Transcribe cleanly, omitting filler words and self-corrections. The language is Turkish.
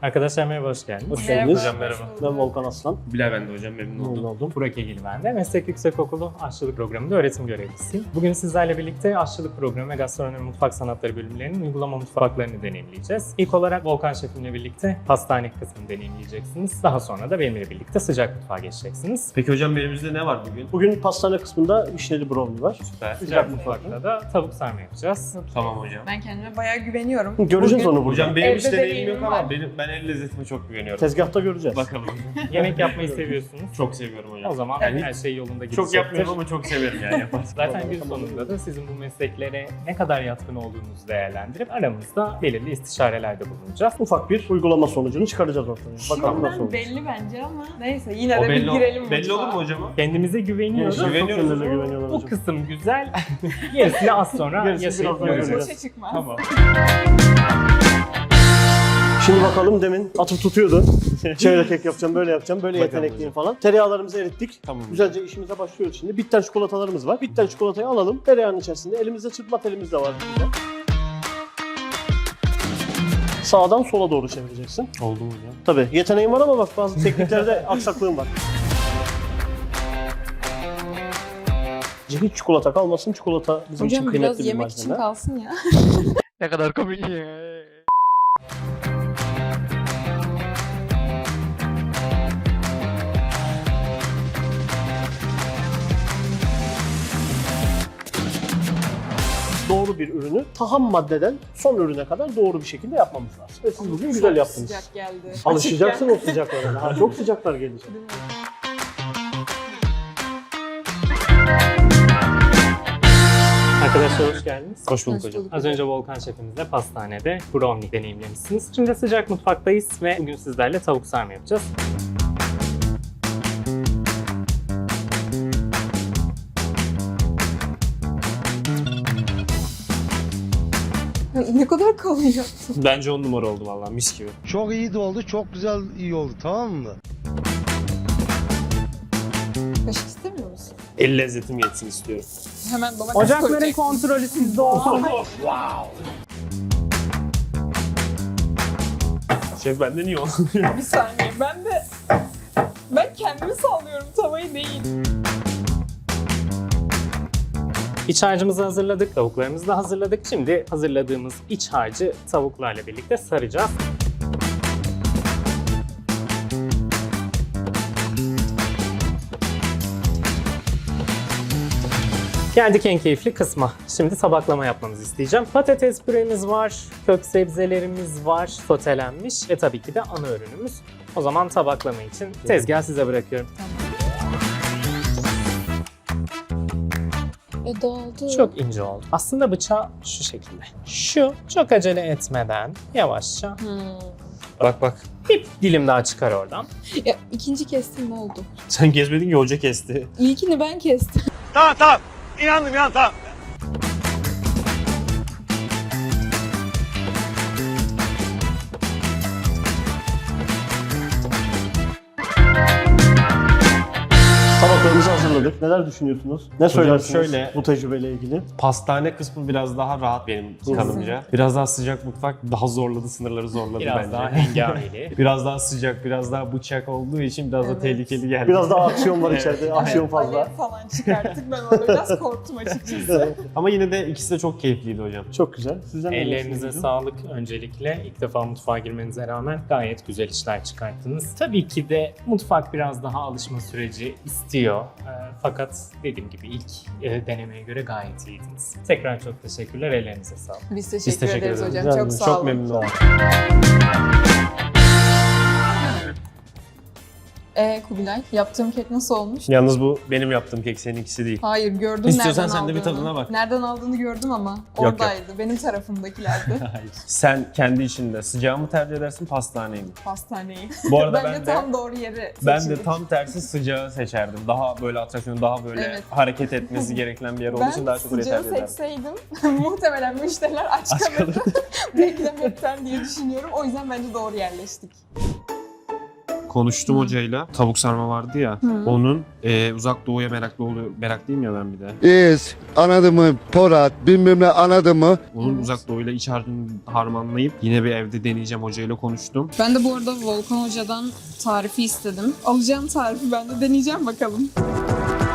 Arkadaşlar merhaba, hoş geldiniz. Hoş geldiniz. Hocam merhaba. Ben Volkan Aslan. Bilal ben de hocam, memnun oldum. Burak Egil ben de. Meslek Yüksekokulu Aşçılık Programı'nda öğretim görevlisiyim. Bugün sizlerle birlikte Aşçılık Programı ve Gastronomi Mutfak Sanatları bölümlerinin uygulama mutfaklarını deneyimleyeceğiz. İlk olarak Volkan Şefimle birlikte pastane kısmını deneyimleyeceksiniz. Daha sonra da benimle birlikte sıcak mutfağa geçeceksiniz. Peki hocam elimizde ne var bugün? Bugün pastane kısmında vişneli brownie var. Süper. Sıcak mutfakta da tavuk sarma yapacağız. Tamam hocam. Ben kendime bayağı güveniyorum. Göreceğiz Bugün onu burada. Hocam benim Evde hiç deneyimim deneyimim yok var. ama ben el lezzetime çok güveniyorum. Tezgahta göreceğiz. Bakalım. Yemek yapmayı seviyorsunuz. Çok seviyorum hocam. O zaman Yani her şey yolunda gidecektir. çok yapmıyorum ama çok severim yani yaparsın. Zaten gün sonunda da sizin bu mesleklere ne kadar yatkın olduğunuzu değerlendirip aramızda belirli istişarelerde bulunacağız. Ufak bir uygulama sonucunu çıkaracağız ortaya. Bakalım nasıl Şimdiden olacak. belli bence ama neyse yine O de bir girelim belli olur mu mutfağa. hocam? Kendimize güveniyoruz. Gençler çok Güveniyoruz. kendilerine güveniyorlar O hocam. kısım güzel. Gerisini az sonra Gerisi yaşayıp birazdan göreceğiz. göreceğiz. Boşa çıkmaz. Tamam. Şimdi bakalım, demin atıp tutuyordu. Şöyle kek yapacağım, böyle yapacağım, böyle Bakalım yetenekliyim falan. Tereyağlarımızı erittik. Tamam. Güzelce işimize başlıyoruz şimdi. Bitter çikolatalarımız var. Bitter çikolatayı alalım. Tereyağının içerisinde elimizde çırpma telimiz de var. Bizde. Sağdan sola doğru çevireceksin. Oldu mu hocam? Tabii yeteneğim var ama bak bazı tekniklerde aksaklığım var. Hiç çikolata kalmasın. Çikolata bizim için Hocam kıymetli biraz bir yemek için malzeme. kalsın ya. Ne kadar komik. Doğru bir ürünü ham maddeden son ürüne kadar doğru bir şekilde yapmamız lazım. Ve siz bugün güzel Çok yaptınız. sıcak geldi. Alışacaksın Açık o sıcaklara. Daha çok sıcaklar gelecek. geldi. Arkadaşlar hoş geldiniz. Hoş bulduk Hoş hocam. bulduk. Az önce Volkan Şefimizle pastanede brownie deneyimlemişsiniz. Şimdi sıcak mutfaktayız ve bugün sizlerle tavuk sarma yapacağız. Ne kadar kalın yaptın. Bence 10 numara oldu vallahi, mis gibi. Çok iyi de oldu, çok güzel iyi oldu, tamam mı? Kaşık istemiyor musun? El lezzetim yetsin istiyorum. Hemen domates Ocakların koyacak. kontrolü sizde olsun. Şef benden iyi oldu. Bir saniye ben kendimi sallıyorum tavayı değil. İç harcımızı hazırladık, tavuklarımızı da hazırladık. Şimdi hazırladığımız iç harcı tavuklarla birlikte saracağız. Geldik en keyifli kısma. Şimdi tabaklama yapmamızı isteyeceğim. Patates püremiz var, kök sebzelerimiz var, sotelenmiş ve tabii ki de ana ürünümüz. O zaman tabaklama için tezgahı size bırakıyorum. Dağıldı. Çok ince oldu. Aslında bıçağı şu şekilde. Şu çok acele etmeden yavaşça Bak bak. bir dilim daha çıkar oradan. Ya ikinci kestim ne oldu? Sen kesmedin ki, hoca kesti. İlkini ben kestim. Tabaklarımızı hazırladık. Neler düşünüyorsunuz? Ne söylersiniz şöyle- bu tecrübeyle ilgili? Pastane kısmı biraz daha rahat benim kanımca. Biraz daha sıcak mutfak daha zorladı, sınırları zorladı Biraz bence. daha hengameli. Biraz daha sıcak, biraz daha bıçak olduğu için biraz da Evet. tehlikeli geldi. Biraz daha aksiyon var içeride. Aksiyon fazla. Alev falan çıkarttık ben orada biraz korktum açıkçası. Ama yine de ikisi de çok keyifliydi hocam. Çok güzel. Sizden ne Ellerinize düşünüyorsunuz? sağlık öncelikle. İlk defa mutfağa girmenize rağmen gayet güzel işler çıkarttınız. Tabii ki de mutfak biraz daha alışma süreci istiyor. Fakat dediğim gibi ilk denemeye göre gayet iyiydiniz. Tekrar çok teşekkürler. Ellerinize sağlık. Biz teşekkür, teşekkür ederiz ederiz. hocam. Güzel, Çok sağ Çok olun. memnun oldum. Kubilay, yaptığım kek nasıl olmuş? Yalnız bu benim yaptığım kek, seninkisi değil. Hayır gördüm İstiyorsan nereden sen de bir aldığını. tadına bak. Nereden aldığını gördüm ama yok. oradaydı. Benim tarafımdakilerdi. Hayır. Sen kendi içinde sıcağı mı tercih edersin, pastaneyi mi? Pastaneyi. Bu arada Bence ben de tam doğru yeri ben de seçildik. tam tersi sıcağı seçerdim. Daha böyle atraksiyon, daha böyle Evet. hareket etmesi gereken bir yer olduğu Ben için daha çok orayı sıcağı tercih ederdim. seçseydim muhtemelen müşteriler aç kalırdı beklemekten diye düşünüyorum. O yüzden bence doğru yerleştik. konuştum hocayla. Tavuk sarma vardı ya. Onun uzak doğuya meraklıyım ya ben bir de. Anladın mı? Porat, bilmem ne anladın mı? Onun uzak doğuyla iç harcını harmanlayıp yine bir evde deneyeceğim, hocayla konuştum. Ben de bu arada Volkan Hoca'dan tarifi istedim. Alacağım tarifi ben de deneyeceğim bakalım.